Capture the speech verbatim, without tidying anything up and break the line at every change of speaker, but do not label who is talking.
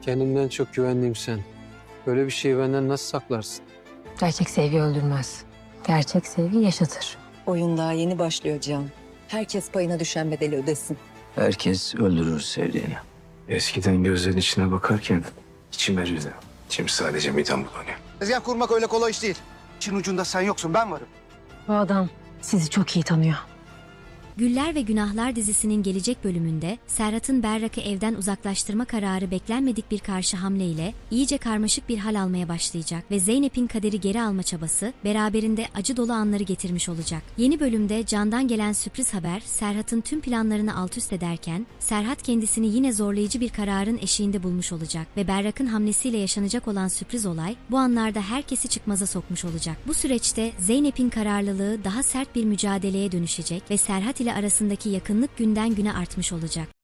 Kendimden çok güvendiğim sen. Böyle bir şeyi benden nasıl saklarsın?
Gerçek sevgi öldürmez. Gerçek sevgi yaşatır.
Oyun daha yeni başlıyor Cihan. Herkes payına düşen bedeli ödesin.
Herkes öldürür sevdiğini.
Eskiden gözlerin içine bakarken içim erirdi. Şimdi sadece midem bulanıyor.
Tezgah kurmak öyle kolay iş değil. İşin ucunda sen yoksun, ben varım.
Bu adam sizi çok iyi tanıyor.
Güller ve Günahlar dizisinin gelecek bölümünde Serhat'ın Berrak'ı evden uzaklaştırma kararı beklenmedik bir karşı hamleyle iyice karmaşık bir hal almaya başlayacak ve Zeynep'in kaderi geri alma çabası beraberinde acı dolu anları getirmiş olacak. Yeni bölümde Can'dan gelen sürpriz haber Serhat'ın tüm planlarını alt üst ederken Serhat kendisini yine zorlayıcı bir kararın eşiğinde bulmuş olacak ve Berrak'ın hamlesiyle yaşanacak olan sürpriz olay bu anlarda herkesi çıkmaza sokmuş olacak. Bu süreçte Zeynep'in kararlılığı daha sert bir mücadeleye dönüşecek ve Serhat ile arasındaki yakınlık günden güne artmış olacak.